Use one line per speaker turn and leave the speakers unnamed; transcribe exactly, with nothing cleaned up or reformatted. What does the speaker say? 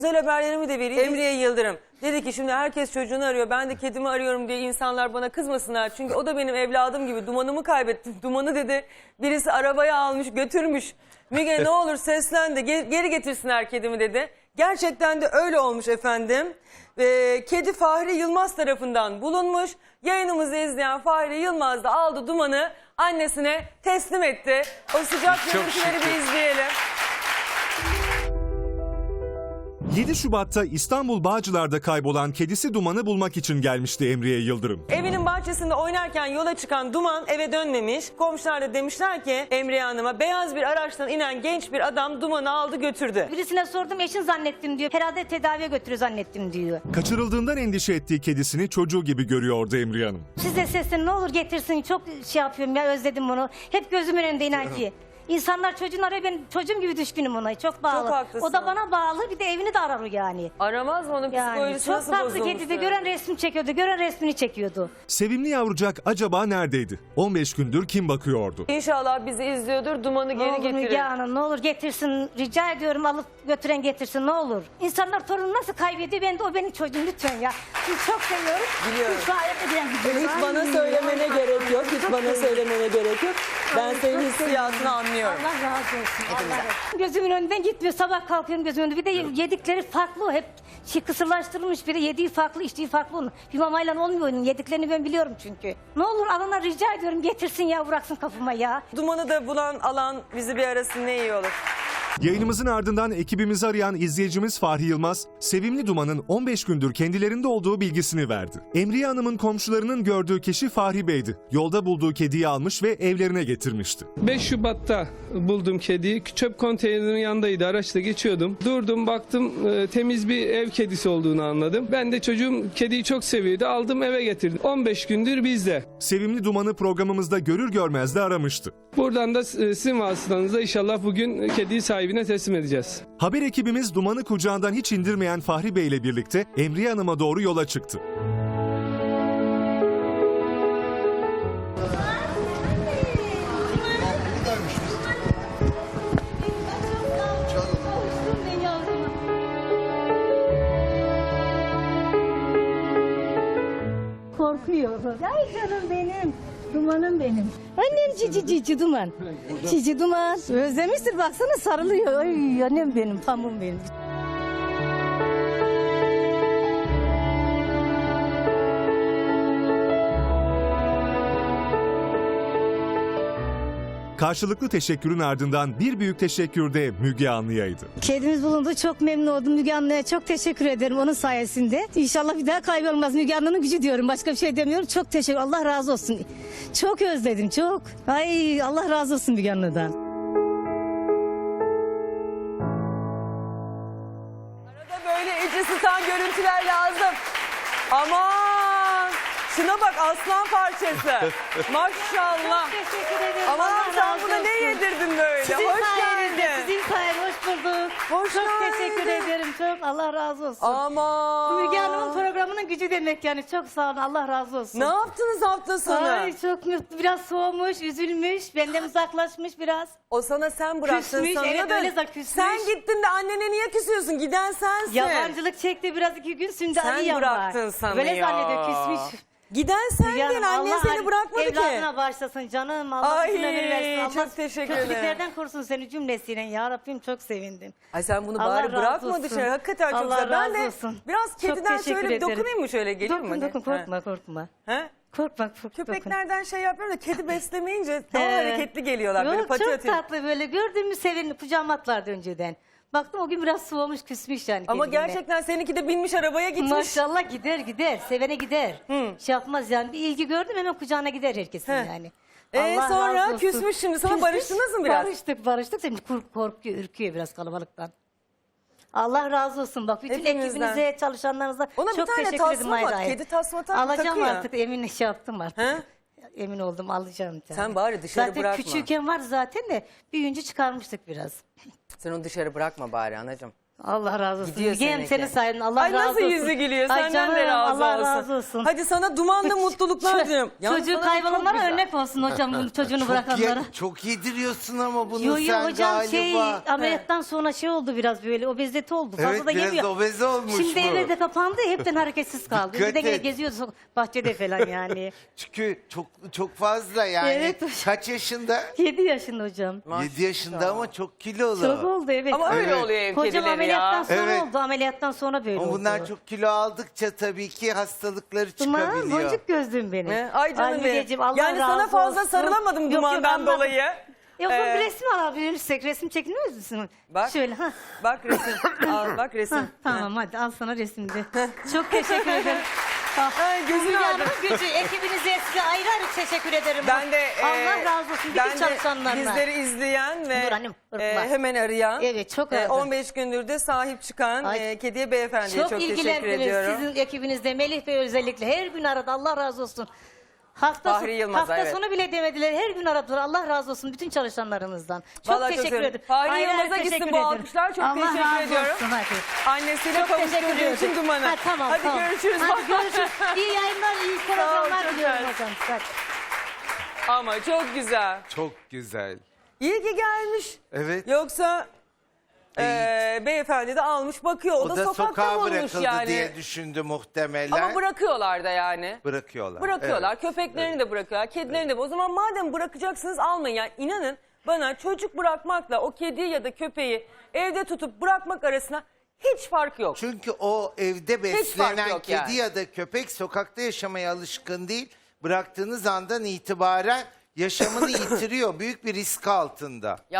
Güzel haberlerimi de vereyim. Emriye Yıldırım dedi ki şimdi herkes çocuğunu arıyor. Ben de kedimi arıyorum diye insanlar bana kızmasınlar. Çünkü o da benim evladım gibi. Dumanımı kaybettim. Dumanı dedi birisi arabaya almış götürmüş. Müge ne olur seslen de geri getirsinler kedimi dedi. Gerçekten de öyle olmuş efendim. Ee, kedi Fahri Yılmaz tarafından bulunmuş. Yayınımızı izleyen Fahri Yılmaz da aldı Duman'ı annesine teslim etti. O sıcak görüntüleri bir izleyelim.
yedi Şubat'ta İstanbul Bağcılar'da kaybolan kedisi Duman'ı bulmak için gelmişti Emriye Yıldırım.
Evinin bahçesinde oynarken yola çıkan Duman eve dönmemiş. Komşular da demişler ki Emriye Hanım'a beyaz bir araçtan inen genç bir adam Duman'ı aldı götürdü.
Birisine sordum eşin zannettim diyor. Herhalde tedaviye götürüyor zannettim diyor.
Kaçırıldığından endişe ettiği kedisini çocuğu gibi görüyordu Emriye Hanım.
Size seslen ne olur getirsin, çok şey yapıyorum ya, özledim bunu. Hep gözümün önünde inan ki. İnsanlar çocuğunu arıyor, ben çocuğum gibi düşkünüm ona, çok bağlı.
Çok haklısın.
O da bana bağlı, bir de evini de arar o yani.
Aramaz mı onun
Yani
psikolojisi
çok
nasıl
tatlı
bozulmuş?
kediydi, gören resmi çekiyordu, gören resmini çekiyordu.
Sevimli yavrucak acaba neredeydi? on beş gündür kim bakıyordu?
İnşallah bizi izliyordur, Duman'ı
Ne
geri
olur
getirir.
Müge Hanım, ne olur getirsin, rica ediyorum, alıp götüren getirsin, ne olur. İnsanlar torunu nasıl kaybediyor, ben de o benim çocuğum, lütfen ya. Sizi çok seviyorum.
Biliyorum.
Siz gayet edilen gidiyorsunuz.
Hiç bana söylemene gerek yok, hiç bana söylemene gerek yok. Ben senin hissiyatını anlıyorum.
Allah razı olsun. Allah razı olsun. Gözümün önünden gitmiyor. Sabah kalkıyorum gözümün önünde. Bir de yedikleri farklı. Hep şey kısırlaştırılmış. Biri yediği farklı, içtiği farklı onun. Bir mamayla olmuyor onun. Yediklerini ben biliyorum çünkü. Ne olur alana rica ediyorum, getirsin ya, bıraksın kapıma ya.
Duman'ı da bulan alan bizi bir arasın ne iyi olur.
Yayınımızın ardından ekibimizi arayan izleyicimiz Fahri Yılmaz, sevimli Duman'ın on beş gündür kendilerinde olduğu bilgisini verdi. Emriye Hanım'ın komşularının gördüğü kişi Fahri Bey'di. Yolda bulduğu kediyi almış ve evlerine getirmişti.
beş Şubat'ta buldum kediyi. Çöp konteynerinin yanındaydı. Araçla geçiyordum. Durdum, baktım e, temiz bir ev kedisi olduğunu anladım. Ben de çocuğum kediyi çok seviyordu. Aldım, eve getirdim. on beş gündür bizde.
Sevimli Duman'ı programımızda görür görmez de aramıştı.
Buradan da e, sizin vasıtanızla inşallah bugün kediyi sahibine teslim edeceğiz.
Haber ekibimiz Duman'ı kucağından hiç indirmeyen Fahri Bey ile birlikte Emriye Hanım'a doğru yola çıktı.
Korkuyor. Ay canım benim. Dumanım benim. Annem cici cici Duman. Cici Duman. Özlemiştir, baksana sarılıyor. Ay annem benim, pamuğum benim.
Karşılıklı teşekkürün ardından bir büyük teşekkür de Müge Anlı'yaydı.
Kedimiz bulundu. Çok memnun oldum. Müge Anlı'ya çok teşekkür ederim onun sayesinde. İnşallah bir daha kaybolmaz. Müge Anlı'nın gücü diyorum. Başka bir şey demiyorum. Çok teşekkür. Allah razı olsun. Çok özledim. Çok. Ay Allah razı olsun Müge Anlı'dan.
Arada böyle içi sıtan görüntüler lazım. Aman! Şuna bak, aslan parçası. Maşallah.
Çok teşekkür ederim.
Aman
Allah
sen
razı
buna ne
olsun.
yedirdin böyle?
Sizin
Hoş
sayenizde,
geldin.
Sizin sayenizde hoş bulduk.
Hoş
çok
geldin.
teşekkür ederim. Çok Allah razı olsun.
Aman.
Müge Hanım'ın programının gücü demek yani. Çok sağ olun. Allah razı olsun.
Ne yaptınız hafta sonu?
Ay çok mutlu. Biraz soğumuş, üzülmüş. Benden uzaklaşmış biraz.
O sana sen bıraktın
Küsmüş,
sanıyor
evet,
da
öyle küsmüş.
sen gittin de annene niye küsüyorsun? Giden sensin.
Yabancılık çekti biraz, iki gün. Şimdi
Sen
Ali yan
bıraktın
var.
sanıyor.
Böyle zannediyor, küsmüş.
Giden sendin,
Canım,
annen
Allah
seni bırakmadı ki.
evladına bağışlasın canım. Allah
Ay,
uzun ömür versin. Allah
çok teşekkür ederim.
kötülüklerden korusun seni cümlesiyle. Ya Rabbim çok sevindim.
Ay sen bunu
Allah
bari
razı
bırakma
olsun.
dışarı. Hakikaten çok
Allah
güzel. Ben
razı
de
olsun.
biraz
Çok
kediden
teşekkür
şöyle bir
ederim.
dokunayım mı şöyle? Gelir mi?
Dokun dokun,
Ha.
korkma korkma.
Ha?
Korkma korkma.
Köpeklerden şey yapıyorum da kedi beslemeyince daha
He.
hareketli geliyorlar. Böyle
Yok,
pati
çok
atıyor.
tatlı böyle. Gördüğümü sevin, kucağıma atlardı önceden. Baktım o gün biraz soğumuş, küsmüş yani.
Ama
kendine.
gerçekten seninki de binmiş arabaya gitmiş.
Maşallah gider gider. Sevene gider.
Hı.
Şey yapmaz yani. Bir ilgi gördüm hemen kucağına gider herkesin
He.
yani.
Ee,
Allah
sonra
razı olsun.
küsmüş şimdi. Sana
Küsmüş,
barıştınız mı biraz?
Barıştık barıştık. Şimdi kork- korkuyor, ürküyor biraz kalabalıktan. Allah razı olsun. Bak bütün
Hepimizden.
ekibinize, çalışanlarınıza
Ona bir
çok
tane
teşekkür
tasma
ederim.
var.
ayrı ayrı.
Kedi tasma tak-
Alacağım
takıyor.
artık. Emin şey yaptım artık.
He?
Emin oldum, alacağım. bir tane.
Sen bari dışarı
zaten
bırakma.
küçükken var zaten de büyüyünce çıkarmıştık biraz.
Sen onu dışarı bırakma bari anacığım.
Allah razı olsun.
Gidiyor
Gem
seninki.
senin sayende Allah
Ay
razı
nasıl
olsun.
yüzü gülüyor.
Ay
Senden de
canım,
razı
Allah
olsun.
razı olsun.
Hadi sana dumanda mutluluklar diliyorum. Yalnız
Çocuğu
sana çok
kaybolanlara
güzel.
örnek olsun hocam bunu çocuğunu
Çok,
bırakanlara.
ye- çok yediriyorsun ama bunu
Yo yo
sen
hocam
galiba.
şey ameliyattan sonra şey oldu biraz böyle obezite oldu. Fazla
Evet,
da
biraz
yemiyor.
obeze olmuş
Şimdi
bu.
evde kapandı hepten hareketsiz kaldı.
Dikkat
Bir de gene
et.
geziyordu sok- bahçede falan yani.
Çünkü çok çok fazla yani.
Evet hocam.
Kaç yaşında?
yedi yaşında hocam.
yedi yaşında ama çok kilolu.
Çok oldu evet.
Ama öyle
Evet.
oluyor ev
Hocam
kedileri
ameliyattan
ya.
sonra
Evet.
oldu. Ameliyattan sonra böyle
Ama
oldu.
bunlar çok kilo aldıkça tabii ki hastalıkları
Duman,
çıkabiliyor.
boncuk gözlüm benim.
Ne? Ay canım benim.
Mügeciğim, Allah
Yani sana
razı
fazla
olsun.
sarılamadım
Yok, yok,
dumandan
anladım.
dolayı.
Yok
Ee,
bir resim alabilirsek resim çekiniyor musun?
Bak.
Şöyle ha.
Bak resim. Al bak resim.
Ha, tamam hadi al sana resimde. Çok teşekkür ederim.
Ay gözünü
Müge
aldım.
Hanım gücü ekibinize size ayrı ayrı teşekkür ederim.
Ben de e,
Allah razı olsun
ben
bütün
de
çalışanlarına.
bizleri izleyen ve
Dur annem, dur,
e,
bak.
hemen arayan,
Evet, çok
e,
aradı.
on beş gündür de sahip çıkan
Ay.
e, kediye beyefendiye çok,
Çok,
teşekkür
ilgilendiniz
ediyorum.
sizin ekibinizde Melih Bey özellikle her gün aradı Allah razı olsun. Hafta,
Fahri Yılmaz,
hafta
evet.
sonu bile demediler. Her gün aradılar. Allah razı olsun bütün çalışanlarımızdan. Çok
Vallahi
teşekkür
sevindim.
ederim.
Fahri
Ayrı ayrı
Yılmaz'a gitsin
teşekkür
bu
ederim.
alkışlar. Çok
Allah
teşekkür
razı
ediyorum.
olsun, hadi.
Annesiyle
Çok teşekkür
kavuşturduğu
ederim.
için Duman'a.
Ha, tamam,
Hadi
tamam.
görüşürüz.
Hadi görüşürüz. İyi yayınlar, iyi
Sağ ol,
programlar
çok
diliyorum
güzel.
hocam. Hadi.
Ama çok güzel.
Çok güzel.
İyi ki gelmiş.
Evet.
Yoksa e, beyefendi de almış bakıyor. O,
O
da,
da
sokakta
sokağa
bulmuş
bırakıldı
yani.
diye düşündü muhtemelen.
Ama bırakıyorlar da yani.
Bırakıyorlar.
Bırakıyorlar.
Evet.
Köpeklerini de bırakıyorlar. Kedilerini de. O zaman madem bırakacaksınız almayın. Yani inanın bana çocuk bırakmakla o kediyi ya da köpeği evde tutup bırakmak arasında hiç fark yok.
Çünkü o evde
fark
beslenen
yok
kedi
yani.
ya da köpek sokakta yaşamaya alışkın değil. Bıraktığınız andan itibaren yaşamını yitiriyor. Büyük bir risk altında.